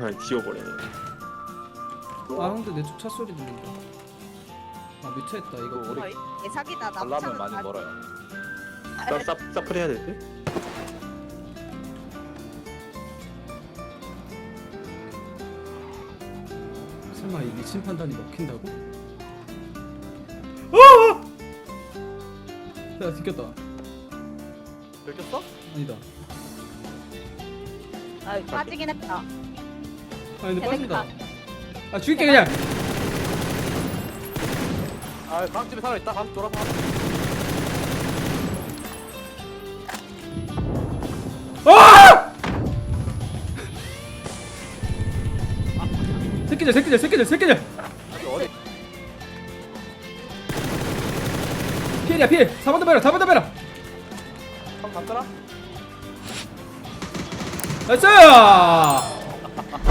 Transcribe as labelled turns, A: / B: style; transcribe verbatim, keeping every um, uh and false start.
A: 그냥 지워버리네.
B: 아 형들 내 쪽 차 소리 들린다. 아 미쳐있다 이거.
C: 우리
D: 거의 대사기다.
C: 가려면
D: 남차는
C: 많이
D: 다-
C: 멀어요.
A: 사, 사, 사플 해야 될 듯?
B: 설마 이 미친 판단이 먹힌다고? 아! 야 지켰다.
C: 들켰어?
B: 아니다.
D: 아, 빠지긴 했다.
B: 아 근데
D: 재밌다.
B: 빠진다. 아 죽일게 그냥.
C: 아, 강집에 살아 있다. 강 돌아서.
B: 아! 새끼들 새끼들 새끼들 새끼들.
C: 여기 어디?
B: 피해야 피해. 사번 더 베라 사번 더 베라.
C: 강 갔더라?
B: 나이스!